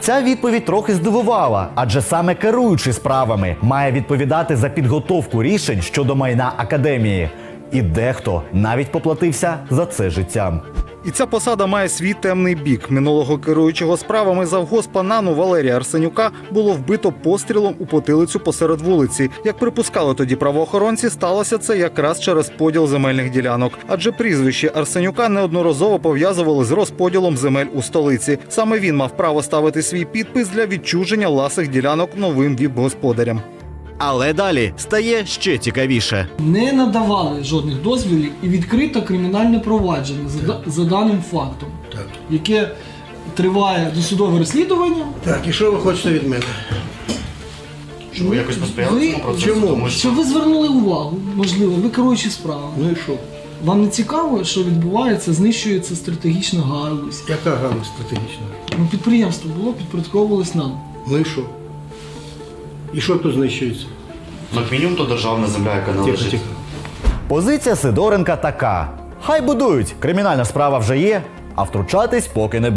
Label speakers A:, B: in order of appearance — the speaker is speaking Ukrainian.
A: Ця відповідь трохи здивувала, адже саме керуючий справами має відповідати за підготовку рішень щодо майна академії. І дехто навіть поплатився за це життям.
B: І ця посада має свій темний бік. Минулого керуючого справами завгоспа НАНу Валерія Арсенюка було вбито пострілом у потилицю посеред вулиці. Як припускали тоді правоохоронці, сталося це якраз через поділ земельних ділянок. Адже прізвище Арсенюка неодноразово пов'язували з розподілом земель у столиці. Саме він мав право ставити свій підпис для відчуження ласих ділянок новим віп-господарям.
C: Але далі стає ще цікавіше.
D: Не надавали жодних дозволів і відкрито кримінальне провадження за даним фактом, яке триває досудове розслідування.
E: Так, і що ви хочете від мене?
F: Щоб ви якось посприяли цьому процесу?
E: Чому?
F: Тому що
D: Щоб ви звернули увагу, можливо, ви керуючі справами.
E: Ну і що?
D: Вам не цікаво, що відбувається, знищується стратегічна галузь.
E: Яка галузь стратегічна?
D: Ну, підприємство було, підпорядковувалось нам.
E: Ну і що? І що тут знищується?
F: ну, як мінімум то державна земля, яка належить.
E: Тихо.
A: Позиція Сидоренка така: хай будують, кримінальна справа вже є, а втручатись поки не